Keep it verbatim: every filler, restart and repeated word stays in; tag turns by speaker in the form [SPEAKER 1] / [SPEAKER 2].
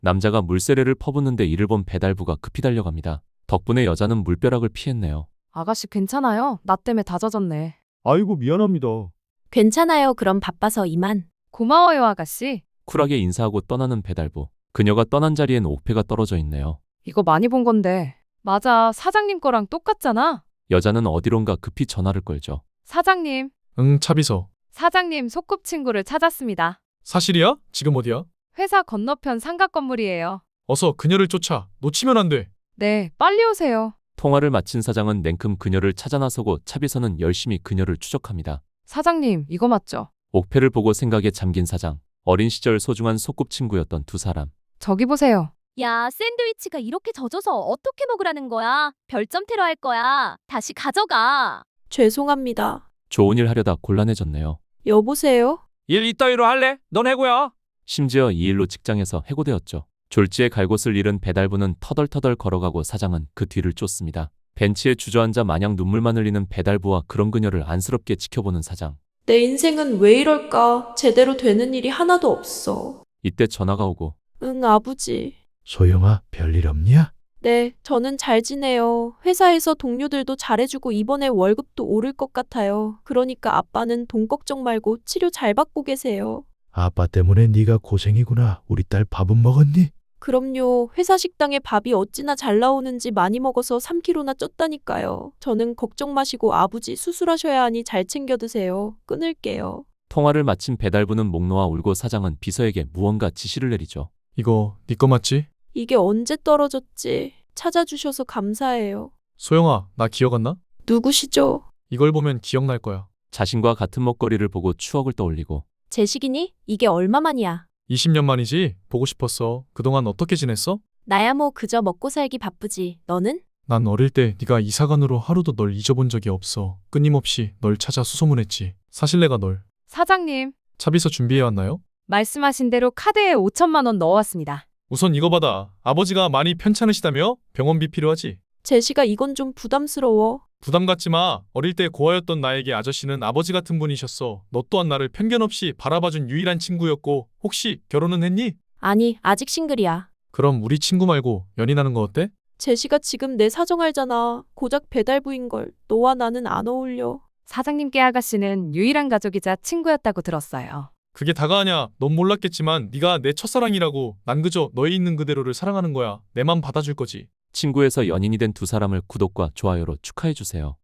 [SPEAKER 1] 남자가 물세례를 퍼붓는데 이를 본 배달부가 급히 달려갑니다. 덕분에 여자는 물벼락을 피했네요.
[SPEAKER 2] 아가씨 괜찮아요? 나 때문에 다 젖었네.
[SPEAKER 3] 아이고 미안합니다.
[SPEAKER 4] 괜찮아요. 그럼 바빠서 이만.
[SPEAKER 2] 고마워요, 아가씨.
[SPEAKER 1] 쿨하게 인사하고 떠나는 배달부. 그녀가 떠난 자리엔 옥패가 떨어져 있네요.
[SPEAKER 2] 이거 많이 본 건데. 맞아, 사장님 거랑 똑같잖아.
[SPEAKER 1] 여자는 어디론가 급히 전화를 걸죠.
[SPEAKER 2] 사장님,
[SPEAKER 5] 응, 차비서.
[SPEAKER 2] 사장님 소꿉친구를 찾았습니다.
[SPEAKER 5] 사실이야? 지금 어디야?
[SPEAKER 2] 회사 건너편 상가 건물이에요.
[SPEAKER 5] 어서 그녀를 쫓아. 놓치면 안 돼.
[SPEAKER 2] 네, 빨리 오세요.
[SPEAKER 1] 통화를 마친 사장은 냉큼 그녀를 찾아 나서고 차비서는 열심히 그녀를 추적합니다.
[SPEAKER 2] 사장님, 이거 맞죠?
[SPEAKER 1] 옥패를 보고 생각에 잠긴 사장. 어린 시절 소중한 소꿉친구였던 두 사람.
[SPEAKER 2] 저기 보세요.
[SPEAKER 4] 야, 샌드위치가 이렇게 젖어서 어떻게 먹으라는 거야? 별점 테러 할 거야. 다시 가져가. 죄송합니다.
[SPEAKER 1] 좋은 일 하려다 곤란해졌네요.
[SPEAKER 4] 여보세요?
[SPEAKER 6] 일 이따위로 할래? 넌 해고야.
[SPEAKER 1] 심지어 이 일로 직장에서 해고되었죠. 졸지에 갈 곳을 잃은 배달부는 터덜터덜 걸어가고 사장은 그 뒤를 쫓습니다. 벤치에 주저앉아 마냥 눈물만 흘리는 배달부와 그런 그녀를 안쓰럽게 지켜보는 사장.
[SPEAKER 7] 내 인생은 왜 이럴까? 제대로 되는 일이 하나도 없어.
[SPEAKER 1] 이때 전화가 오고
[SPEAKER 7] 응, 아버지.
[SPEAKER 3] 소영아, 별일 없냐?
[SPEAKER 7] 네, 저는 잘 지내요. 회사에서 동료들도 잘해주고 이번에 월급도 오를 것 같아요. 그러니까 아빠는 돈 걱정 말고 치료 잘 받고 계세요.
[SPEAKER 3] 아빠 때문에 네가 고생이구나. 우리 딸 밥은 먹었니?
[SPEAKER 7] 그럼요. 회사 식당에 밥이 어찌나 잘 나오는지 많이 먹어서 삼 킬로그램나 쪘다니까요. 저는 걱정 마시고 아버지 수술하셔야 하니 잘 챙겨 드세요. 끊을게요.
[SPEAKER 1] 통화를 마친 배달부는 목 놓아 울고 사장은 비서에게 무언가 지시를 내리죠.
[SPEAKER 5] 이거 네 거 맞지?
[SPEAKER 7] 이게 언제 떨어졌지? 찾아주셔서 감사해요.
[SPEAKER 5] 소영아, 나 기억 안 나?
[SPEAKER 7] 누구시죠?
[SPEAKER 5] 이걸 보면 기억날 거야.
[SPEAKER 1] 자신과 같은 먹거리를 보고 추억을 떠올리고
[SPEAKER 4] 제식이니? 이게 얼마만이야?
[SPEAKER 5] 이십 년 만이지? 보고 싶었어. 그동안 어떻게 지냈어?
[SPEAKER 4] 나야 뭐 그저 먹고 살기 바쁘지. 너는?
[SPEAKER 5] 난 어릴 때 네가 이사간으로 하루도 널 잊어본 적이 없어. 끊임없이 널 찾아 수소문했지. 사실 내가 널
[SPEAKER 2] 사장님,
[SPEAKER 5] 차비서 준비해 왔나요?
[SPEAKER 2] 말씀하신 대로 카드에 오천만 원 넣어왔습니다.
[SPEAKER 5] 우선 이거 받아. 아버지가 많이 편찮으시다며? 병원비 필요하지?
[SPEAKER 7] 제시가 이건 좀 부담스러워.
[SPEAKER 5] 부담 갖지 마. 어릴 때 고아였던 나에게 아저씨는 아버지 같은 분이셨어. 너 또한 나를 편견 없이 바라봐준 유일한 친구였고 혹시 결혼은 했니?
[SPEAKER 4] 아니, 아직 싱글이야.
[SPEAKER 5] 그럼 우리 친구 말고 연인하는 거 어때?
[SPEAKER 7] 제시가 지금 내 사정 알잖아. 고작 배달부인걸. 너와 나는 안 어울려.
[SPEAKER 2] 사장님께 아가씨는 유일한 가족이자 친구였다고 들었어요.
[SPEAKER 5] 그게 다가 아냐. 넌 몰랐겠지만 네가 내 첫사랑이라고. 난 그저 너에 있는 그대로를 사랑하는 거야. 내 맘 받아줄 거지.
[SPEAKER 1] 친구에서 연인이 된 두 사람을 구독과 좋아요로 축하해주세요.